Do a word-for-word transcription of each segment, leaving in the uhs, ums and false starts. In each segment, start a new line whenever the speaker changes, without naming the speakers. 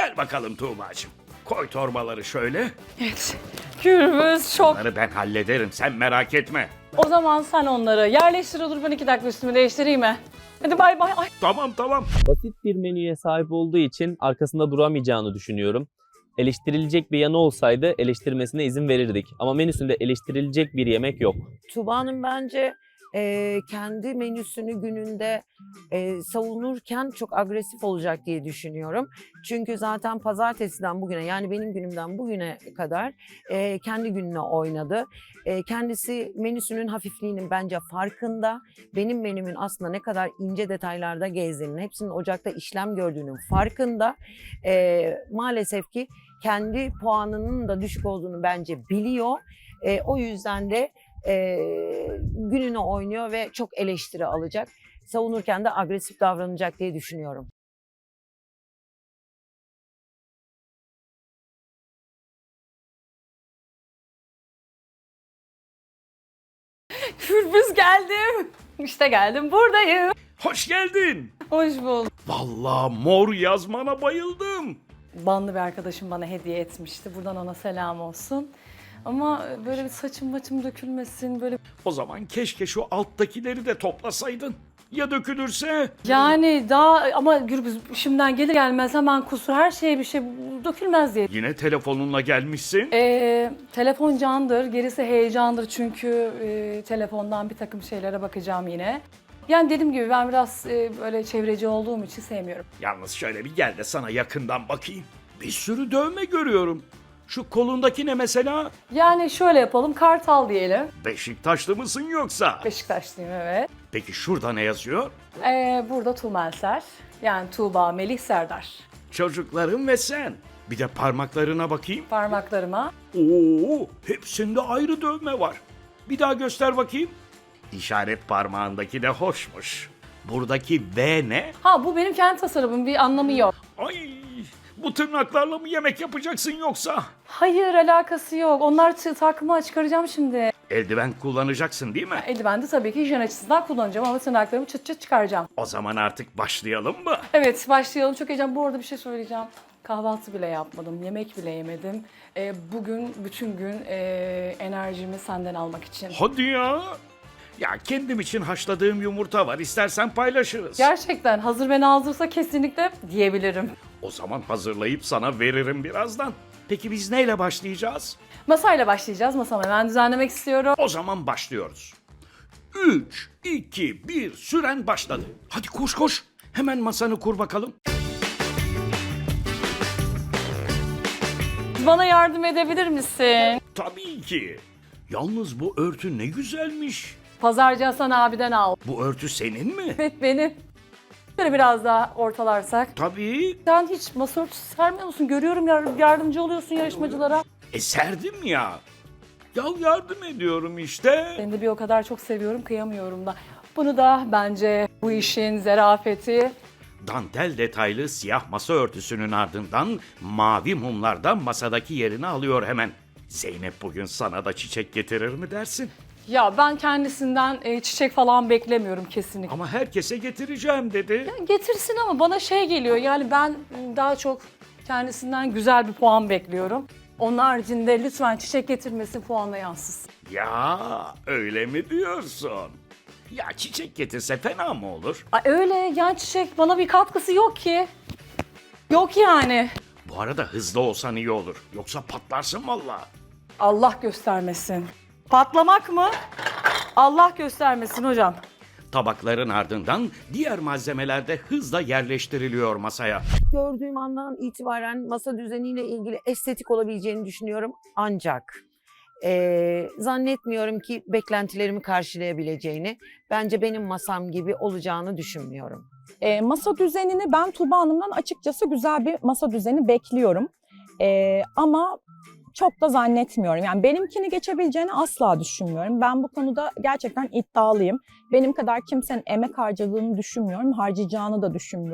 Gel bakalım Tuğba'cığım. Koy torbaları şöyle.
Evet. Gürbüz çok.
Bunları ben hallederim, sen merak etme.
O zaman sen onları yerleştir, olur ben iki dakika üstümü değiştireyim mi? Hadi bay bay. Ay.
Tamam tamam.
Basit bir menüye sahip olduğu için arkasında duramayacağını düşünüyorum. Eleştirilecek bir yanı olsaydı eleştirmesine izin verirdik. Ama menüsünde eleştirilecek bir yemek yok.
Tuğba'nın bence e, kendi menüsünü gününde e, savunurken çok agresif olacak diye düşünüyorum. Çünkü zaten pazartesiden bugüne, yani benim günümden bugüne kadar e, kendi gününe oynadı. E, kendisi menüsünün hafifliğinin bence farkında. Benim menümün aslında ne kadar ince detaylarda gezdiğinin, hepsinin ocakta işlem gördüğünün farkında. E, maalesef ki kendi puanının da düşük olduğunu bence biliyor. E, o yüzden de e, gününü oynuyor ve çok eleştiri alacak. Savunurken de agresif davranacak diye düşünüyorum.
Gürbüz geldim. İşte geldim, buradayım.
Hoş geldin.
Hoş bulduk.
Vallahi mor yazmana bayıldım.
Banlı bir arkadaşım bana hediye etmişti. Buradan ona selam olsun. Ama böyle bir saçım maçım dökülmesin, böyle...
O zaman keşke şu alttakileri de toplasaydın. Ya dökülürse?
Yani daha ama Gürbüz şimdiden gelir gelmez hemen kusur, her şeye bir şey dökülmez diye.
Yine telefonunla gelmişsin.
Ee, telefon candır, gerisi heyecandır çünkü e, telefondan bir takım şeylere bakacağım yine. Yani dediğim gibi ben biraz e, böyle çevreci olduğum için sevmiyorum.
Yalnız şöyle bir gel de sana yakından bakayım. Bir sürü dövme görüyorum. Şu kolundaki ne mesela?
Yani şöyle yapalım, Kartal diyelim.
Beşiktaşlı mısın yoksa?
Beşiktaşlıyım, evet.
Peki şurada ne yazıyor?
Ee, burada Tuğmelser, yani Tuğba, Melih, Serdar.
Çocuklarım ve sen. Bir de parmaklarına bakayım.
Parmaklarıma.
Oo, hepsinde ayrı dövme var. Bir daha göster bakayım. İşaret parmağındaki de hoşmuş. Buradaki V ne?
Ha, bu benim kendi tasarımım, bir anlamı yok.
Ay, bu tırnaklarla mı yemek yapacaksın yoksa?
Hayır, alakası yok. Onlar çı- takımı çıkaracağım şimdi.
Eldiven kullanacaksın değil mi?
Eldiveni de tabii ki hijyen açısından kullanacağım ama tırnaklarımı çıt çıt çıkaracağım.
O zaman artık başlayalım mı?
Evet, başlayalım. Çok heyecan. Bu arada bir şey söyleyeceğim. Kahvaltı bile yapmadım, yemek bile yemedim. Ee, bugün bütün gün e, enerjimi senden almak için.
Hadi ya. Ya kendim için haşladığım yumurta var. İstersen paylaşırız.
Gerçekten hazır ve nazırsa kesinlikle diyebilirim.
O zaman hazırlayıp sana veririm birazdan. Peki biz neyle başlayacağız?
Masayla başlayacağız. Masamı hemen düzenlemek istiyorum.
O zaman başlıyoruz. üç, iki, bir, süren başladı. Hadi koş koş. Hemen masanı kur bakalım.
Bana yardım edebilir misin?
Tabii ki. Yalnız bu örtü ne güzelmiş.
Pazarcı Hasan abiden al.
Bu örtü senin mi?
Evet, benim. Şöyle biraz daha ortalarsak.
Tabii.
Sen hiç masa örtüsü sermiyor musun? Görüyorum, yar- yardımcı oluyorsun yarışmacılara.
E serdim ya. Ya yardım ediyorum işte.
Seni de bir o kadar çok seviyorum, kıyamıyorum da. Bunu da bence bu işin zerafeti.
Dantel detaylı siyah masa örtüsünün ardından mavi mumlar da masadaki yerini alıyor hemen. Zeynep bugün sana da çiçek getirir mi dersin?
Ya ben kendisinden e, çiçek falan beklemiyorum kesinlikle.
Ama herkese getireceğim dedi.
Getirsin ama bana şey geliyor, yani ben m, daha çok kendisinden güzel bir puan bekliyorum. Onun haricinde lütfen çiçek getirmesin, puanla yansısın.
Ya öyle mi diyorsun? Ya çiçek getirse fena mı olur?
Ay öyle, yani çiçek bana bir katkısı yok ki. Yok yani.
Bu arada hızlı olsan iyi olur. Yoksa patlarsın valla.
Allah göstermesin. Patlamak mı? Allah göstermesin hocam.
Tabakların ardından diğer malzemeler de hızla yerleştiriliyor masaya.
Gördüğüm andan itibaren masa düzeniyle ilgili estetik olabileceğini düşünüyorum. Ancak e, zannetmiyorum ki beklentilerimi karşılayabileceğini. Bence benim masam gibi olacağını düşünmüyorum.
E, masa düzenini ben Tuğba Hanım'dan açıkçası güzel bir masa düzeni bekliyorum. E, ama çok da zannetmiyorum. Yani benimkini geçebileceğini asla düşünmüyorum. Ben bu konuda gerçekten iddialıyım. Benim kadar kimsenin emek harcadığını düşünmüyorum, harcayacağını da düşünmüyorum.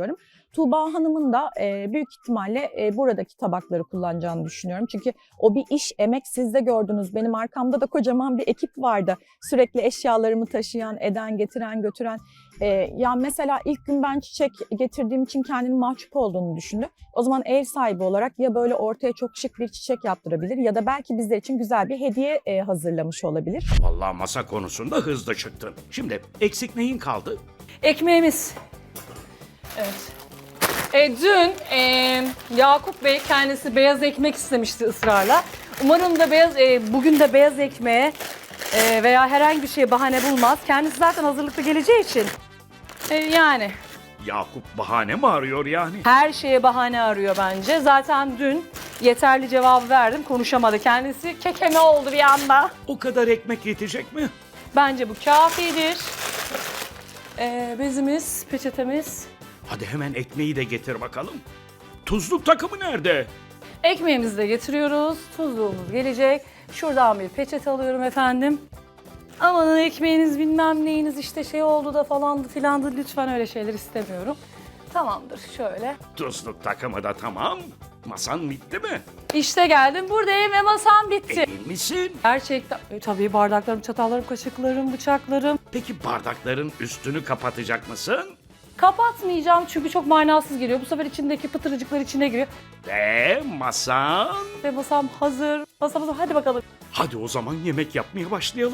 Tuğba Hanım'ın da e, büyük ihtimalle e, buradaki tabakları kullanacağını düşünüyorum. Çünkü o bir iş, emek, siz de gördünüz. Benim arkamda da kocaman bir ekip vardı. Sürekli eşyalarımı taşıyan, eden, getiren, götüren. E, ya mesela ilk gün ben çiçek getirdiğim için kendini mahcup olduğunu düşündü. O zaman ev sahibi olarak ya böyle ortaya çok şık bir çiçek yaptırabilir ya da belki bizler için güzel bir hediye e, hazırlamış olabilir.
Vallahi masa konusunda hızlı çıktın. Şimdi eksik neyin kaldı?
Ekmeğimiz. Evet. E, dün e, Yakup Bey kendisi beyaz ekmek istemişti ısrarla. Umarım da beyaz e, bugün de beyaz ekmeğe e, veya herhangi bir şeye bahane bulmaz. Kendisi zaten hazırlıklı geleceği için. E, yani
Yakup bahane mi arıyor yani?
her şeye bahane arıyor bence. Zaten dün yeterli cevabı verdim. Konuşamadı kendisi. Kekeme oldu bir anda.
O kadar ekmek yetecek mi?
Bence bu kafidir. E, bezimiz, peçetemiz.
Hadi hemen ekmeği de getir bakalım. Tuzluk takımı nerede?
Ekmeğimizi de getiriyoruz. Tuzluğumuz gelecek. Şuradan bir peçete alıyorum efendim. Amanın ekmeğiniz bilmem neyiniz işte şey oldu da falandı filandı. Lütfen öyle şeyler istemiyorum. Tamamdır şöyle.
Tuzluk takımı da tamam. Masan bitti mi?
İşte geldim buradayım ve masam bitti.
Emin misin?
Gerçekten. E, tabii bardaklarım, çatallarım, kaşıklarım, bıçaklarım.
Peki bardakların üstünü kapatacak mısın?
Kapatmayacağım çünkü çok manasız geliyor. Bu sefer içindeki pıtırcıklar içine giriyor.
Ve masan?
Ve masam hazır. Masam hazır. Hadi bakalım.
Hadi o zaman yemek yapmaya başlayalım.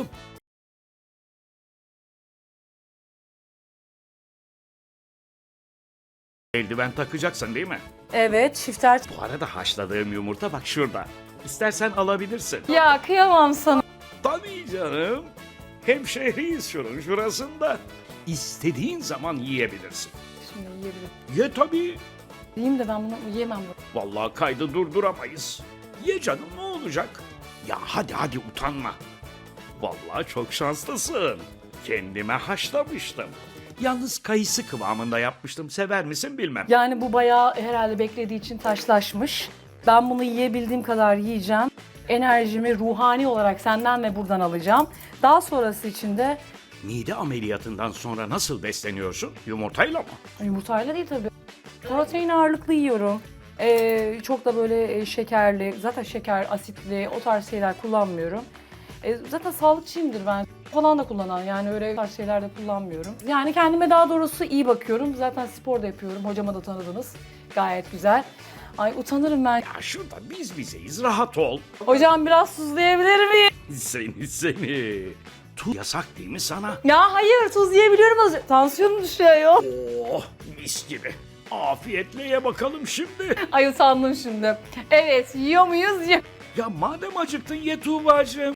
Eldiven takacaksın değil mi?
Evet şifter.
Bu arada haşladığım yumurta bak şurada. İstersen alabilirsin.
Ya kıyamam sana.
Tabii canım. Hemşehriyiz şunun şurasında. İstediğin zaman yiyebilirsin.
Şimdi yiyebilirim.
Ye tabii.
Yiyeyim de ben bunu yiyemem. Bunu.
Vallahi kaydı durduramayız. Ye canım ne olacak? Ya hadi hadi utanma. Vallahi çok şanslısın. Kendime haşlamıştım. Yalnız kayısı kıvamında yapmıştım. Sever misin bilmem.
Yani bu bayağı herhalde beklediği için taşlaşmış. Ben bunu yiyebildiğim kadar yiyeceğim. Enerjimi ruhani olarak senden ve buradan alacağım. Daha sonrası için de
Mide ameliyatından sonra nasıl besleniyorsun? Yumurtayla mı?
yumurtayla değil tabii. Protein ağırlıklı yiyorum. Ee, çok da böyle e, şekerli, zaten şeker, asitli o tarz şeyler kullanmıyorum. E, zaten sağlıkçıyımdır ben. Falan da kullanan yani öyle tarz şeyler de kullanmıyorum. Yani kendime daha doğrusu iyi bakıyorum. Zaten spor da yapıyorum. Hocama da tanıdınız. Gayet güzel. Ay utanırım ben.
Ya şurada biz bizeyiz rahat ol.
Hocam biraz tuzlayabilir miyim?
Seni seni. Tuz yasak değil mi sana?
Ya hayır tuz yiyebiliyorum azıcık. Tansiyonum düşüyor.
Oh mis gibi. Afiyetle ye bakalım şimdi.
Ay utandım şimdi. Evet yiyor muyuz? Yiyor.
Ya madem acıktın ye Tuğba'cığım.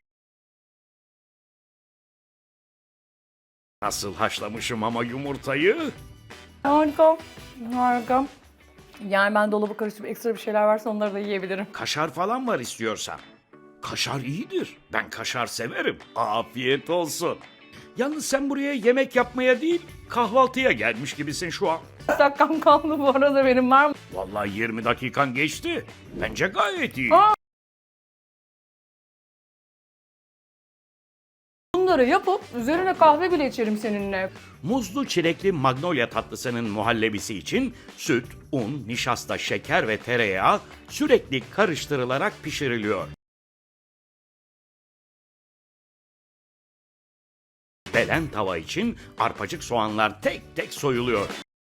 Nasıl haşlamışım ama yumurtayı?
Harika. Harika. Yani ben dolabı karıştırıp ekstra bir şeyler varsa onları da yiyebilirim.
Kaşar falan var istiyorsan. Kaşar iyidir. Ben kaşar severim. Afiyet olsun. Yalnız sen buraya yemek yapmaya değil, kahvaltıya gelmiş gibisin şu an.
Dakikam kaldı bu arada benim var mı?
Vallahi yirmi dakikan geçti. Bence gayet iyi.
Aa! Bunları yapıp üzerine kahve bile içerim seninle.
Muzlu çilekli magnolia tatlısının muhallebisi için süt, un, nişasta, şeker ve tereyağı sürekli karıştırılarak pişiriliyor. Belen tava için arpacık soğanlar tek tek soyuluyor.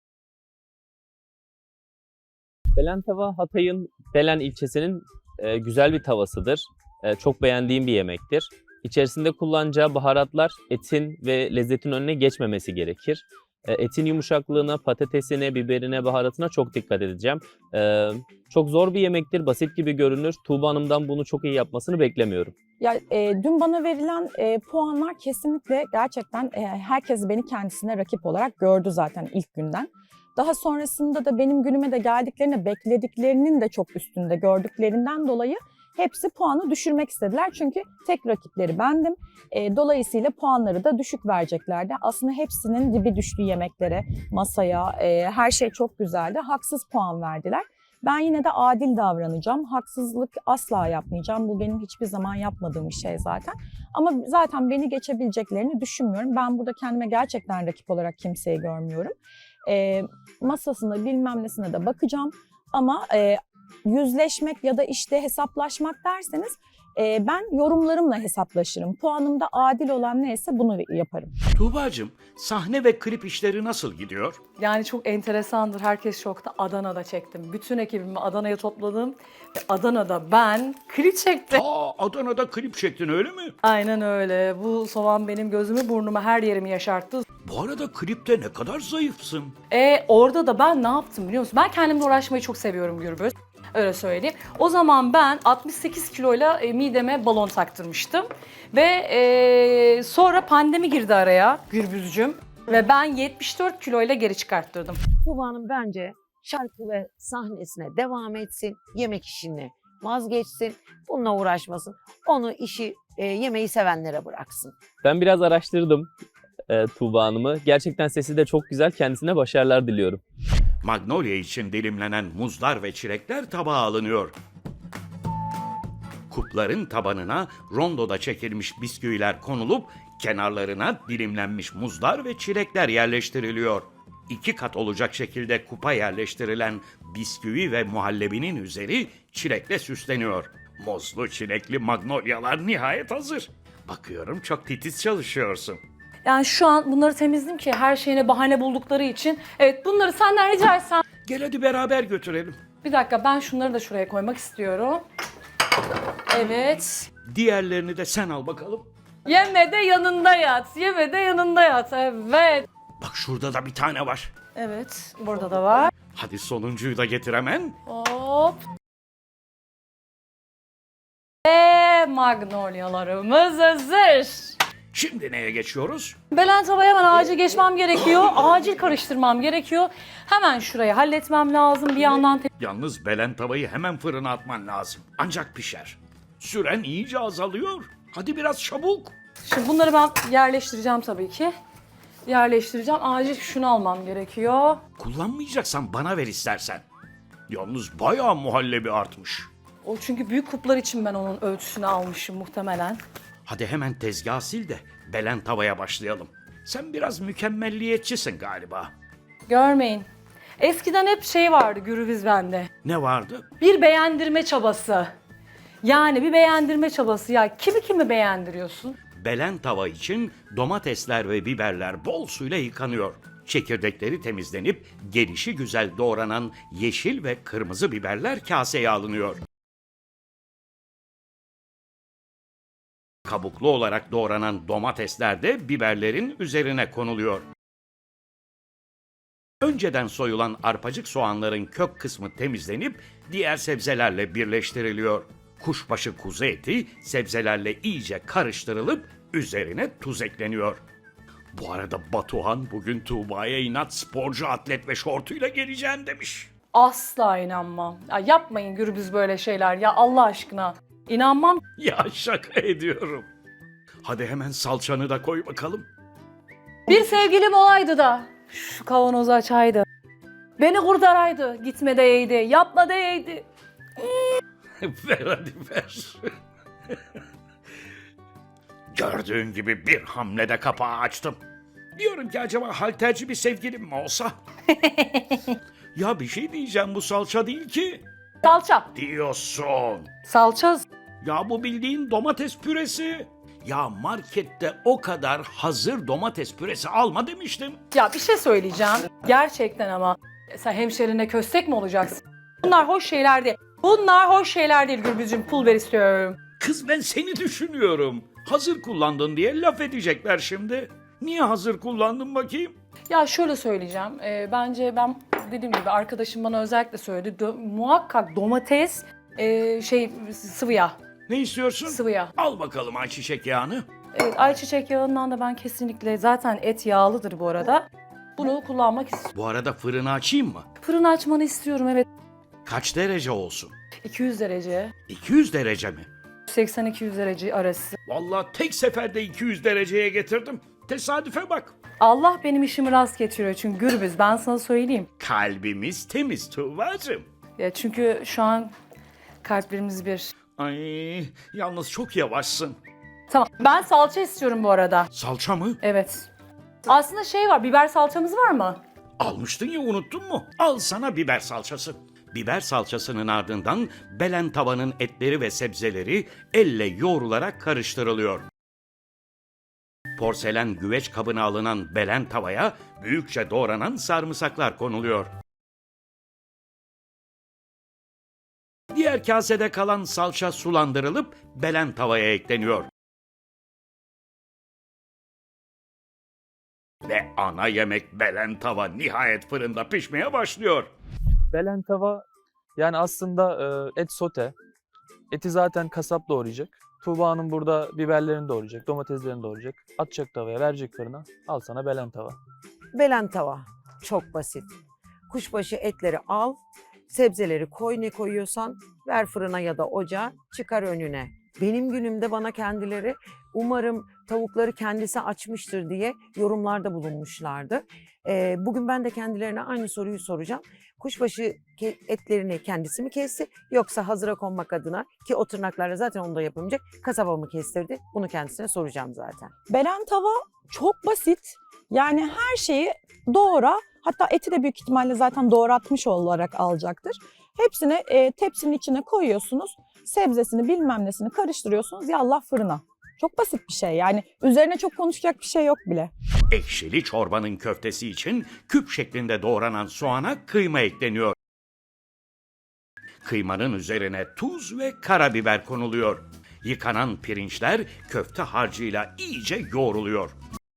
Belen tava Hatay'ın Belen ilçesinin e, güzel bir tavasıdır. E, çok beğendiğim bir yemektir. İçerisinde kullanacağı baharatlar etin ve lezzetin önüne geçmemesi gerekir. E, etin yumuşaklığına, patatesine, biberine, baharatına çok dikkat edeceğim. E, çok zor bir yemektir, basit gibi görünür. Tuğba Hanım'dan bunu çok iyi yapmasını beklemiyorum.
Ya e, dün bana verilen e, puanlar kesinlikle gerçekten e, herkes beni kendisine rakip olarak gördü zaten ilk günden. Daha sonrasında da benim günüme de geldiklerinde beklediklerinin de çok üstünde gördüklerinden dolayı hepsi puanı düşürmek istediler. Çünkü tek rakipleri bendim. E, dolayısıyla puanları da düşük vereceklerdi. Aslında hepsinin dibi düştü yemeklere, masaya, e, her şey çok güzeldi. Haksız puan verdiler. Ben yine de adil davranacağım. Haksızlık asla yapmayacağım. Bu benim hiçbir zaman yapmadığım bir şey zaten. Ama zaten beni geçebileceklerini düşünmüyorum. Ben burada kendime gerçekten rakip olarak kimseyi görmüyorum. E, masasına bilmem nesine de bakacağım. Ama e, yüzleşmek ya da işte hesaplaşmak derseniz e, ben yorumlarımla hesaplaşırım. Puanımda adil olan neyse bunu yaparım.
Tuğbacığım, sahne ve klip işleri nasıl gidiyor?
Yani çok enteresandır. Herkes şokta. Adana'da çektim. Bütün ekibimi Adana'ya topladım. Ve Adana'da ben klip çektim.
Aa, Adana'da klip çektin öyle mi?
Aynen öyle. Bu soğan benim gözümü, burnumu, her yerimi yaşarttı.
Bu arada klipte ne kadar zayıfsın.
E orada da ben ne yaptım biliyor musun? Ben kendimle uğraşmayı çok seviyorum Gürbüz. Öyle söyleyeyim. O zaman ben altmış sekiz kiloyla e, mideme balon taktırmıştım. Ve e, sonra pandemi girdi araya Gürbüzcüm. Ve ben yetmiş dört kiloyla geri çıkarttırdım.
Tuğba Hanım bence şarkı ve sahnesine devam etsin, yemek işini vazgeçsin, bununla uğraşmasın. Onu işi e, yemeği sevenlere bıraksın.
Ben biraz araştırdım e, Tuğba Hanım'ı. Gerçekten sesi de çok güzel. Kendisine başarılar diliyorum.
Magnolia için dilimlenen muzlar ve çilekler tabağa alınıyor. Kupların tabanına rondoda çekilmiş bisküviler konulup kenarlarına dilimlenmiş muzlar ve çilekler yerleştiriliyor. İki kat olacak şekilde kupa yerleştirilen bisküvi ve muhallebinin üzeri çilekle süsleniyor. Muzlu çilekli magnolyalar nihayet hazır. Bakıyorum çok titiz çalışıyorsun.
Yani şu an bunları temizledim ki her şeyine bahane buldukları için. Evet, bunları senden rica etsem.
Gel hadi beraber götürelim.
Bir dakika, ben şunları da şuraya koymak istiyorum. Evet.
Diğerlerini de sen al bakalım.
Yeme de yanında yat. Yeme de yanında yat. Evet.
Bak şurada da bir tane var.
Evet. Burada da var.
Hadi sonuncuyu da getir hemen.
Hop. Ve magnolyalarımız hazır.
Şimdi neye geçiyoruz?
Belen tavaya hemen acil geçmem gerekiyor. Acil karıştırmam gerekiyor. Hemen şurayı halletmem lazım. Bir yandan te-
Yalnız belen tavayı hemen fırına atman lazım. Ancak pişer. Süren iyice azalıyor. Hadi biraz çabuk.
Şimdi bunları ben yerleştireceğim tabii ki. Yerleştireceğim. Acil şunu almam gerekiyor.
Kullanmayacaksan bana ver istersen. Yalnız bayağı muhallebi artmış.
O çünkü büyük kuplar için ben onun ölçüsünü almışım muhtemelen.
Hadi hemen tezgah sil de belen tavaya başlayalım. Sen biraz mükemmelliyetçisin galiba.
Görmeyin. Eskiden hep şey vardı Gürbüz bende.
Ne vardı?
Bir beğendirme çabası. Yani bir beğendirme çabası. Ya kimi kimi beğendiriyorsun?
Belen tava için domatesler ve biberler bol suyla yıkanıyor. Çekirdekleri temizlenip gelişi güzel doğranan yeşil ve kırmızı biberler kaseye alınıyor. Kabuklu olarak doğranan domatesler de biberlerin üzerine konuluyor. Önceden soyulan arpacık soğanların kök kısmı temizlenip diğer sebzelerle birleştiriliyor. Kuşbaşı kuzu eti sebzelerle iyice karıştırılıp üzerine tuz ekleniyor. Bu arada Batuhan bugün Tuğba'ya inat sporcu atlet ve şortuyla geleceğim demiş.
Asla inanmam. Ya yapmayın Gürbüz böyle şeyler ya Allah aşkına. İnanmam.
Ya şaka ediyorum. Hadi hemen salçanı da koy bakalım.
Bir sevgilim olaydı da şu kavanozu açaydı. Beni kurtaraydı. Gitme deyeydi. Yapma deyeydi.
Ver hadi ver. Gördüğün gibi bir hamlede kapağı açtım. Diyorum ki acaba halterci bir sevgilim mi olsa? Ya bir şey diyeceğim, bu salça değil ki.
Salça.
Diyorsun.
Salça.
Ya bu bildiğin domates püresi. Ya markette o kadar hazır domates püresi alma demiştim.
Ya bir şey söyleyeceğim. Gerçekten ama. Sen hemşerine köstek mi olacaksın? Bunlar hoş şeyler değil. Bunlar hoş şeyler değil Gürbüzcüğüm. Pul ver istiyorum.
Kız ben seni düşünüyorum. Hazır kullandın diye laf edecekler şimdi. Niye hazır kullandın bakayım?
Ya şöyle söyleyeceğim. Ee, bence ben dediğim gibi arkadaşım bana özellikle söyledi. Dö- muhakkak domates, e, şey sıvı yağ.
Ne istiyorsun?
Sıvı yağ.
Al bakalım ayçiçek yağını.
Evet, ayçiçek yağından da ben kesinlikle, zaten et yağlıdır bu arada. Bunu kullanmak istiyorum.
Bu arada fırını açayım mı?
Fırın açmanı istiyorum, evet.
Kaç derece olsun?
iki yüz derece.
iki yüz derece mi?
seksen iki yüz derece arası.
Vallahi tek seferde iki yüz dereceye getirdim. Tesadüfe bak.
Allah benim işimi rast getiriyor çünkü Gürbüz, ben sana söyleyeyim.
Kalbimiz temiz Tuğba'cığım.
Ya çünkü şu an kalplerimiz bir.
Ay, yalnız çok yavaşsın.
Tamam, ben salça istiyorum bu arada.
Salça mı?
Evet. Aslında şey var, biber salçamız var mı?
Almıştın ya, unuttun mu? Al sana biber salçası. Biber salçasının ardından belen tavanın etleri ve sebzeleri elle yoğrularak karıştırılıyor. Porselen güveç kabına alınan belen tavaya büyükçe doğranan sarımsaklar konuluyor. Diğer kasede kalan salça sulandırılıp belen tavaya ekleniyor. Ve ana yemek belen tava nihayet fırında pişmeye başlıyor.
Belen tava yani aslında e, et sote. Eti zaten kasap doğrayacak. Tuğba Hanım burada biberlerini doğrayacak, domateslerini doğrayacak. Atacak tavaya, verecek fırına. Al sana belen tava.
Belen tava. Çok basit. Kuşbaşı etleri al, sebzeleri koy, ne koyuyorsan ver fırına ya da ocağa, çıkar önüne. Benim günümde bana kendileri umarım tavukları kendisi açmıştır diye yorumlarda bulunmuşlardı. Ee, bugün ben de kendilerine aynı soruyu soracağım. Kuşbaşı ke- etlerini kendisi mi kesti yoksa hazıra konmak adına, ki o tırnaklarla zaten onu da yapamayacak, kasaba mı kestirdi? Bunu kendisine soracağım zaten.
Belen tava çok basit. Yani her şeyi doğra. Hatta eti de büyük ihtimalle zaten doğratmış olarak alacaktır. Hepsini e, tepsinin içine koyuyorsunuz. Sebzesini bilmem nesini karıştırıyorsunuz. Yallah fırına. Çok basit bir şey yani. Üzerine çok konuşacak bir şey yok bile.
Ekşili çorbanın köftesi için küp şeklinde doğranan soğana kıyma ekleniyor. Kıymanın üzerine tuz ve karabiber konuluyor. Yıkanan pirinçler köfte harcıyla iyice yoğruluyor.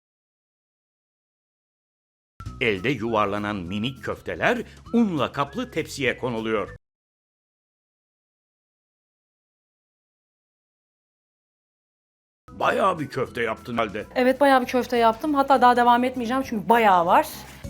Elde yuvarlanan minik köfteler unla kaplı tepsiye konuluyor. Bayağı bir köfte yaptın halde.
Evet, bayağı bir köfte yaptım. Hatta daha devam etmeyeceğim çünkü bayağı var.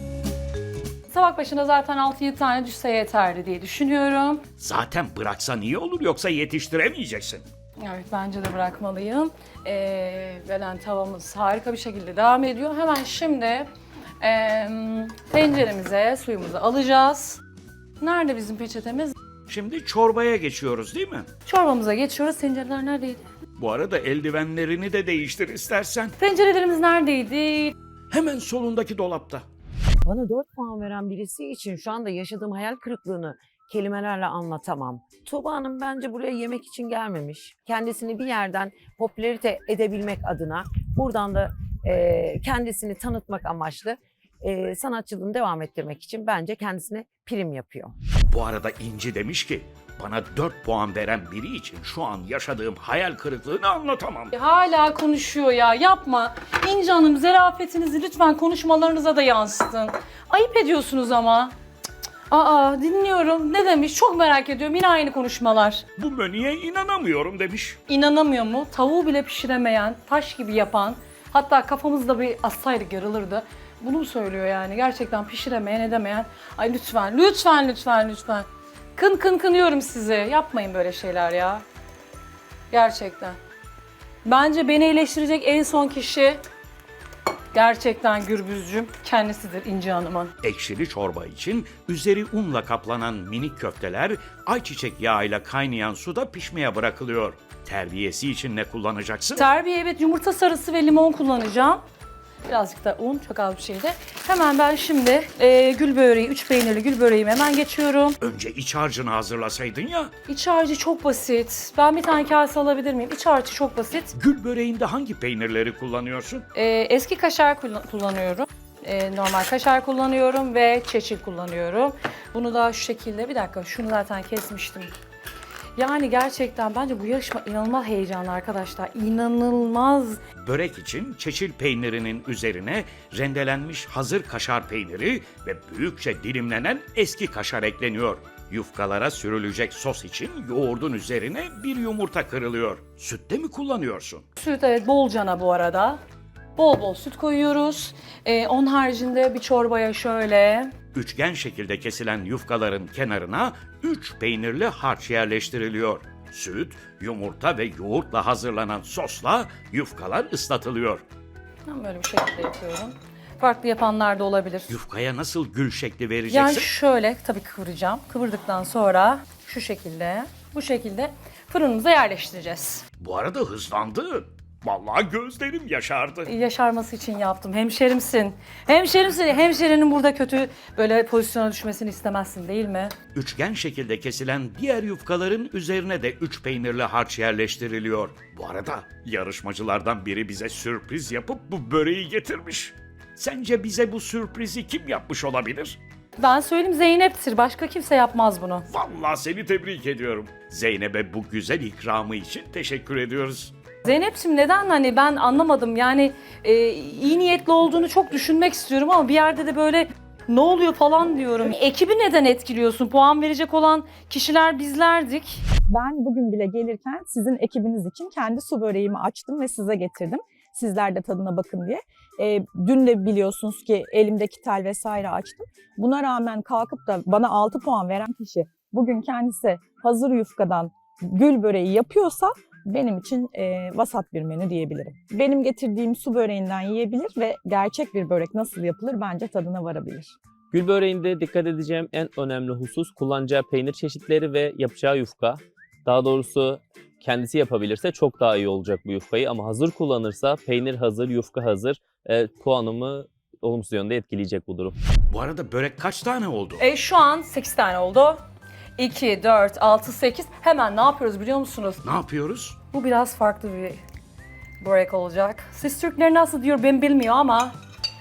Tabak başına zaten altı yedi tane düşse yeterli diye düşünüyorum.
Zaten bıraksan iyi olur, yoksa yetiştiremeyeceksin.
Evet, bence de bırakmalıyım. Ee, Belen tavamız harika bir şekilde devam ediyor. Hemen şimdi e, tenceremize suyumuzu alacağız. Nerede bizim peçetemiz?
Şimdi çorbaya geçiyoruz değil mi?
Çorbamıza geçiyoruz. Tencereler neredeydi?
Bu arada eldivenlerini de değiştir istersen.
Tencerelerimiz neredeydi?
Hemen solundaki dolapta.
Bana dört puan veren birisi için şu anda yaşadığım hayal kırıklığını kelimelerle anlatamam. Tuğba Hanım bence buraya yemek için gelmemiş. Kendisini bir yerden popülerite edebilmek adına, buradan da e, kendisini tanıtmak amaçlı e, sanatçılığını devam ettirmek için bence kendisine prim yapıyor.
Bu arada İnci demiş ki, bana dört puan veren biri için şu an yaşadığım hayal kırıklığını anlatamam.
Hala konuşuyor ya, yapma. İnci Hanım, zerafetinizi lütfen konuşmalarınıza da yansıtın. Ayıp ediyorsunuz ama. Cık cık. Aa, dinliyorum. Ne demiş? Çok merak ediyorum. Yine aynı konuşmalar.
Bu menüye inanamıyorum demiş.
İnanamıyor mu? Tavuğu bile pişiremeyen, taş gibi yapan, hatta kafamızda bir assaydık yarılırdı. Bunu mu söylüyor yani? Gerçekten pişiremeyen, edemeyen. Ay lütfen, lütfen, lütfen, lütfen. Kın kın kınıyorum sizi. Yapmayın böyle şeyler ya. Gerçekten. Bence beni eleştirecek en son kişi gerçekten Gürbüzcüm kendisidir, İnci Hanım'ın.
Ekşili çorba için üzeri unla kaplanan minik köfteler ayçiçek yağıyla kaynayan suda pişmeye bırakılıyor. Terbiyesi için ne kullanacaksın?
Terbiye, evet, yumurta sarısı ve limon kullanacağım. Birazcık da un, çok az bir şeydi. Hemen ben şimdi e, gül böreği, üç peynirli gül böreğime hemen geçiyorum.
Önce iç harcını hazırlasaydın ya.
İç harcı çok basit. Ben bir tane kase alabilir miyim? İç harcı çok basit.
Gül böreğinde hangi peynirleri kullanıyorsun?
E, eski kaşar kullan- kullanıyorum. E, normal kaşar kullanıyorum ve çeçil kullanıyorum. Bunu da şu şekilde, bir dakika, şunu zaten kesmiştim. Yani gerçekten bence bu yarışma inanılmaz heyecanlı arkadaşlar. İnanılmaz.
Börek için çeçil peynirinin üzerine rendelenmiş hazır kaşar peyniri ve büyükçe dilimlenen eski kaşar ekleniyor. Yufkalara sürülecek sos için yoğurdun üzerine bir yumurta kırılıyor. Süt de mi kullanıyorsun?
Süt, evet, bolcana bu arada. Bol bol süt koyuyoruz. Ee, onun haricinde bir çorbaya şöyle...
Üçgen şekilde kesilen yufkaların kenarına üç peynirli harç yerleştiriliyor. Süt, yumurta ve yoğurtla hazırlanan sosla yufkalar ıslatılıyor.
Ben böyle bir şekilde yapıyorum. Farklı yapanlar da olabilir.
Yufkaya nasıl gül şekli vereceksin?
Yani şöyle tabii kıvıracağım. Kıvırdıktan sonra şu şekilde, bu şekilde fırınımıza yerleştireceğiz.
Bu arada hızlandı. Vallahi gözlerim yaşardı.
Yaşarması için yaptım. Hemşerimsin. Hemşerimsin. Hemşerinin burada kötü böyle pozisyona düşmesini istemezsin değil mi?
Üçgen şekilde kesilen diğer yufkaların üzerine de üç peynirli harç yerleştiriliyor. Bu arada yarışmacılardan biri bize sürpriz yapıp bu böreği getirmiş. Sence bize bu sürprizi kim yapmış olabilir?
Ben söyleyeyim, Zeynep'tir. Başka kimse yapmaz bunu.
Vallahi seni tebrik ediyorum. Zeynep'e bu güzel ikramı için teşekkür ediyoruz.
Zeynep'ciğim neden, hani ben anlamadım. Yani e, iyi niyetli olduğunu çok düşünmek istiyorum ama bir yerde de böyle ne oluyor falan diyorum. Ekibi neden etkiliyorsun? Puan verecek olan kişiler bizlerdik.
Ben bugün bile gelirken sizin ekibiniz için kendi su böreğimi açtım ve size getirdim. Sizler de tadına bakın diye. E, dün de biliyorsunuz ki elimdeki tel vesaire açtım. Buna rağmen kalkıp da bana altı puan veren kişi bugün kendisi hazır yufkadan gül böreği yapıyorsa benim için e, vasat bir menü diyebilirim. Benim getirdiğim su böreğinden yiyebilir ve gerçek bir börek nasıl yapılır bence tadına varabilir.
Gül böreğinde dikkat edeceğim en önemli husus kullanacağı peynir çeşitleri ve yapacağı yufka. Daha doğrusu kendisi yapabilirse çok daha iyi olacak bu yufkayı ama hazır kullanırsa peynir hazır, yufka hazır e, puanımı olumsuz yönde etkileyecek bu durum.
Bu arada börek kaç tane oldu?
E, şu an sekiz tane oldu. iki, dört, altı, sekiz. Hemen ne yapıyoruz biliyor musunuz?
Ne yapıyoruz?
Bu biraz farklı bir börek olacak. Siz Türkler nasıl diyor ben bilmiyorum ama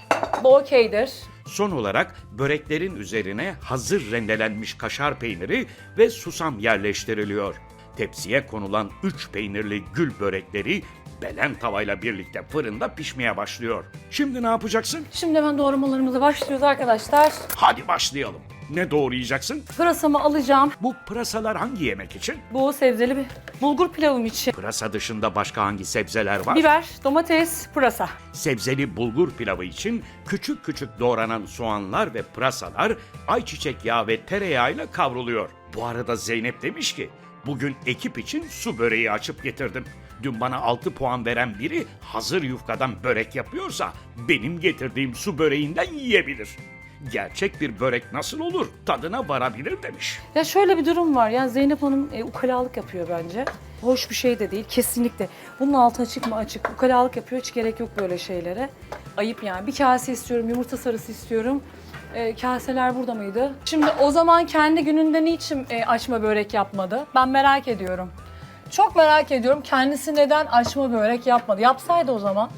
bu okeydir.
Son olarak böreklerin üzerine hazır rendelenmiş kaşar peyniri ve susam yerleştiriliyor. Tepsiye konulan üç peynirli gül börekleri belen tavayla birlikte fırında pişmeye başlıyor. Şimdi ne yapacaksın?
Şimdi hemen doğramalarımıza başlıyoruz arkadaşlar.
Hadi başlayalım. Ne doğrayacaksın?
Pırasamı alacağım.
Bu pırasalar hangi yemek için?
Bu sebzeli bir bulgur pilavım için.
Pırasa dışında başka hangi sebzeler var?
Biber, domates, pırasa.
Sebzeli bulgur pilavı için küçük küçük doğranan soğanlar ve pırasalar ayçiçek yağı ve tereyağıyla kavruluyor. Bu arada Zeynep demiş ki, bugün ekip için su böreği açıp getirdim. Dün bana altı puan veren biri hazır yufkadan börek yapıyorsa benim getirdiğim su böreğinden yiyebilir. Gerçek bir börek nasıl olur? Tadına varabilir demiş.
Ya şöyle bir durum var. Yani Zeynep Hanım e, ukalalık yapıyor bence. Hoş bir şey de değil kesinlikle. Bunun altı açık mı açık? Ukalalık yapıyor. Hiç gerek yok böyle şeylere. Ayıp yani. Bir kase istiyorum, yumurta sarısı istiyorum. E, kaseler burada mıydı? Şimdi o zaman kendi gününde niçin e, açma börek yapmadı? Ben merak ediyorum. Çok merak ediyorum. Kendisi neden açma börek yapmadı? Yapsaydı o zaman.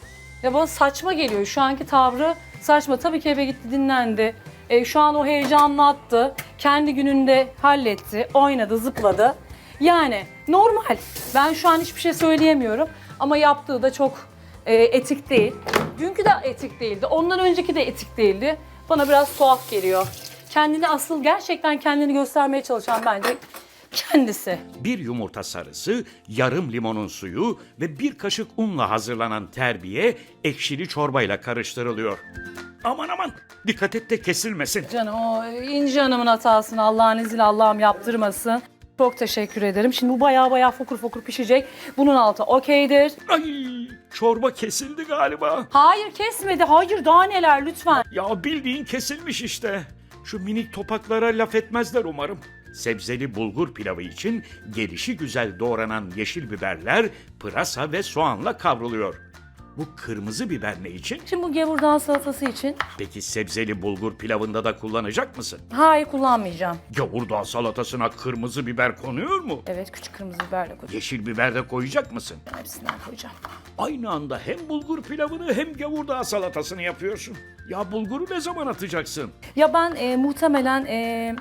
Ya bana saçma geliyor. Şu anki tavrı saçma. Tabii ki eve gitti, dinlendi. E, şu an o heyecanını attı. Kendi gününde halletti, oynadı, zıpladı. Yani normal. Ben şu an hiçbir şey söyleyemiyorum. Ama yaptığı da çok e, etik değil. Dünkü de etik değildi. Ondan önceki de etik değildi. Bana biraz tuhaf geliyor. Kendini asıl gerçekten kendini göstermeye çalışan bence kendisi.
Bir yumurta sarısı, yarım limonun suyu ve bir kaşık unla hazırlanan terbiye ekşili çorbayla karıştırılıyor. Aman aman dikkat et de kesilmesin.
Canım o İnci Hanım'ın hatasını Allah'ın izniyle Allah'ım yaptırmasın. Çok teşekkür ederim. Şimdi bu bayağı bayağı fokur fokur pişecek. Bunun altı okeydir.
Ay çorba kesildi galiba.
Hayır kesmedi. Hayır daha neler lütfen.
Ya bildiğin kesilmiş işte. Şu minik topaklara laf etmezler umarım. Sebzeli bulgur pilavı için gelişi güzel doğranan yeşil biberler pırasa ve soğanla kavruluyor. Bu kırmızı biber ne için?
Şimdi bu gevurdağ salatası için.
Peki sebzeli bulgur pilavında da kullanacak mısın?
Hayır kullanmayacağım.
Gavurdağ salatasına kırmızı biber konuyor mu?
Evet küçük kırmızı biberle koyacağım.
Yeşil biber de koyacak mısın?
Hepsinden koyacağım.
Aynı anda hem bulgur pilavını hem gavurdağ salatasını yapıyorsun. Ya bulguru ne zaman atacaksın?
Ya ben e, muhtemelen e,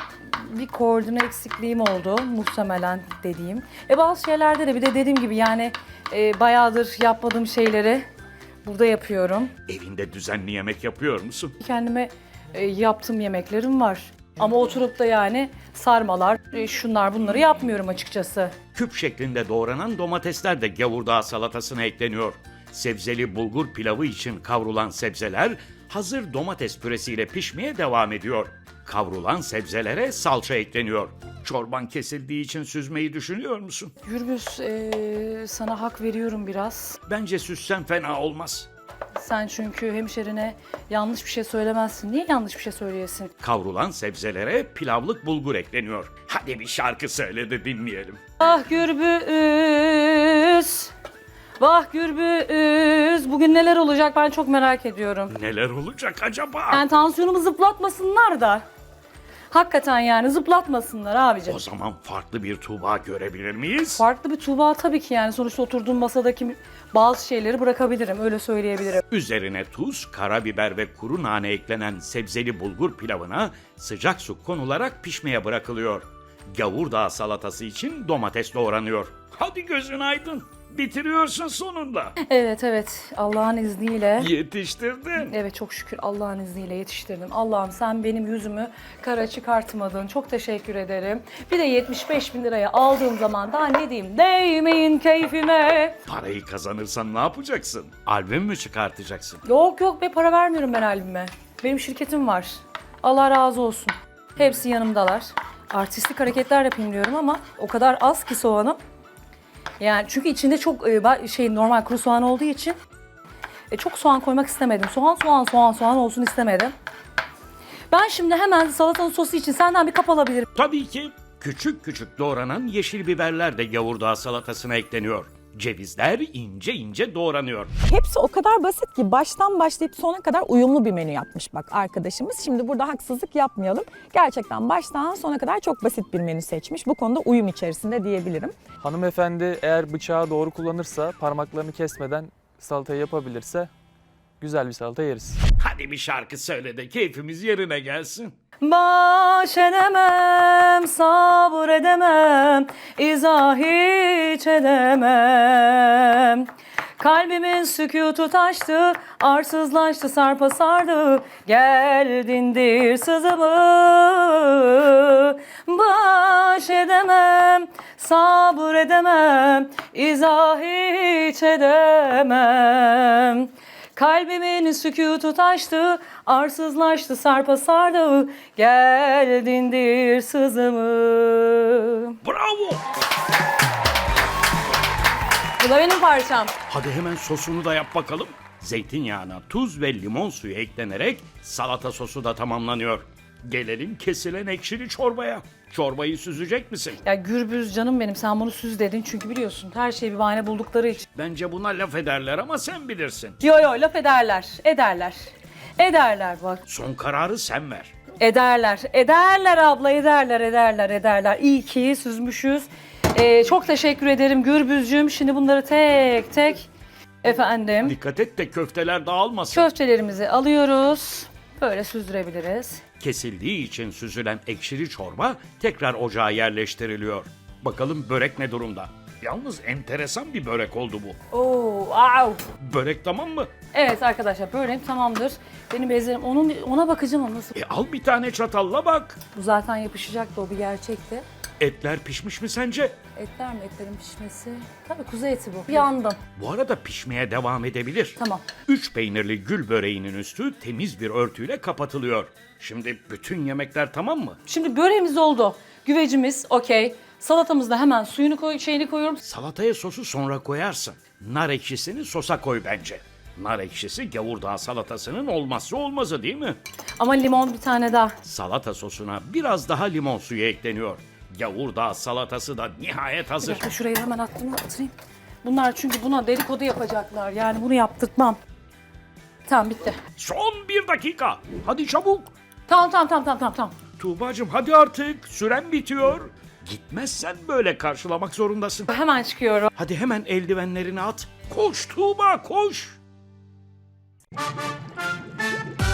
bir koordine eksikliğim oldu. Muhtemelen dediğim. E bazı şeylerde de bir de dediğim gibi yani e, bayağıdır yapmadığım şeyleri burada yapıyorum.
Evinde düzenli yemek yapıyor musun?
Kendime e, yaptığım yemeklerim var. Ama oturup da yani sarmalar, e, şunlar bunları yapmıyorum açıkçası.
Küp şeklinde doğranan domatesler de gavurdağ salatasına ekleniyor. Sebzeli bulgur pilavı için kavrulan sebzeler hazır domates püresiyle pişmeye devam ediyor. Kavrulan sebzelere salça ekleniyor. Çorban kesildiği için süzmeyi düşünüyor musun?
Gürbüz e, sana hak veriyorum biraz.
Bence süssen fena olmaz.
Sen çünkü hemşerine yanlış bir şey söylemezsin. Niye yanlış bir şey söyleyesin?
Kavrulan sebzelere pilavlık bulgur ekleniyor. Hadi bir şarkı söyle de dinleyelim.
Ah Gürbüz, Vah Gürbüz, bugün neler olacak ben çok merak ediyorum.
Neler olacak acaba?
Yani tansiyonumu zıplatmasınlar da. Hakikaten yani zıplatmasınlar abicim.
O zaman farklı bir Tuğba görebilir miyiz?
Farklı bir Tuğba tabii ki yani sonuçta oturduğum masadaki bazı şeyleri bırakabilirim öyle söyleyebilirim.
Üzerine tuz, karabiber ve kuru nane eklenen sebzeli bulgur pilavına sıcak su konularak pişmeye bırakılıyor. Gavurdağ salatası için domates doğranıyor. Hadi gözün aydın. Bitiriyorsun sonunda.
Evet evet Allah'ın izniyle.
Yetiştirdin.
Evet çok şükür Allah'ın izniyle yetiştirdim. Allah'ım sen benim yüzümü kara çıkartmadın. Çok teşekkür ederim. Bir de yetmiş beş bin liraya aldığım zaman daha ne diyeyim? Değmeyin keyfime.
Parayı kazanırsan ne yapacaksın? Albüm mü çıkartacaksın?
Yok yok be para vermiyorum ben albüme. Benim şirketim var. Allah razı olsun. Hepsi yanımdalar. Artistik hareketler yapayım diyorum ama o kadar az ki soğanım. Yani çünkü içinde çok e, ba- şey normal kuru soğan olduğu için e, çok soğan koymak istemedim. Soğan soğan soğan soğan olsun istemedim. Ben şimdi hemen salatanın sosu için senden bir kap alabilirim.
Tabii ki küçük küçük doğranan yeşil biberler de gavurdağ salatasına ekleniyor. Cevizler ince ince doğranıyor.
Hepsi o kadar basit ki baştan başlayıp sona kadar uyumlu bir menü yapmış bak arkadaşımız. Şimdi burada haksızlık yapmayalım. Gerçekten baştan sona kadar çok basit bir menü seçmiş. Bu konuda uyum içerisinde diyebilirim.
Hanımefendi eğer bıçağı doğru kullanırsa, parmaklarını kesmeden salatayı yapabilirse güzel bir salata yeriz.
Hadi bir şarkı söyle de keyfimiz yerine gelsin.
Baş edemem, sabır edemem, izah hiç edemem. Kalbimin sükutu taştı, arsızlaştı, sarpa sardı, gel dindir sızımı. Baş edemem, sabır edemem, izah hiç edemem. Kalbimin sükutu taştı, arsızlaştı, sarpa sardı, gel dindir sızımı.
Bravo!
Bu da benim parçam.
Hadi hemen sosunu da yap bakalım. Zeytinyağına tuz ve limon suyu eklenerek salata sosu da tamamlanıyor. Gelelim kesilen ekşili çorbaya. Çorbayı süzecek misin?
Ya Gürbüz canım benim sen bunu süz dedin çünkü biliyorsun her şeyi bir bahane buldukları için.
Bence buna laf ederler ama sen bilirsin.
Yo yo laf ederler, ederler. Ederler bak.
Son kararı sen ver.
Ederler, ederler abla, ederler, ederler, ederler. İyi ki süzmüşüz. Ee, çok teşekkür ederim Gürbüzcüğüm. Şimdi bunları tek tek efendim
Dikkat et de köfteler dağılmasın.
köftelerimizi alıyoruz. Böyle süzdürebiliriz.
Kesildiği için süzülen ekşili çorba tekrar ocağa yerleştiriliyor. Bakalım börek ne durumda? Yalnız enteresan bir börek oldu bu.
Oo, au.
Börek tamam mı?
Evet arkadaşlar böreğim tamamdır. Benim bezlerim onun ona bakacağım ama nasıl.
E al bir tane çatalla bak.
Bu zaten yapışacaktı o bir gerçekti.
Etler pişmiş mi sence?
Etler mi etlerin pişmesi? Tabii kuzu eti bu. Yandım.
Bu arada pişmeye devam edebilir.
Tamam.
Üç peynirli gül böreğinin üstü temiz bir örtüyle kapatılıyor. Şimdi bütün yemekler tamam mı?
Şimdi böreğimiz oldu. Güvecimiz okey. Salatamızda hemen suyunu koy, şeyini koyuyorum.
Salataya sosu sonra koyarsın. Nar ekşisini sosa koy bence. Nar ekşisi gavurdağ salatasının olmazsa olmazı değil mi?
Ama limon bir tane daha.
Salata sosuna biraz daha limon suyu ekleniyor. Gavurdağ salatası da nihayet
Bir
hazır.
dakika şurayı hemen attım atayım. Bunlar çünkü buna dedikodu yapacaklar. Yani bunu yaptırtmam. Tamam bitti.
Son bir dakika. Hadi çabuk.
Tamam tamam tamam tamam tamam. tamam.
Tuğbacığım hadi artık. Süren bitiyor. Gitmezsen böyle karşılamak zorundasın.
Hemen çıkıyorum.
Hadi hemen eldivenlerini at. Koş Tuğba koş.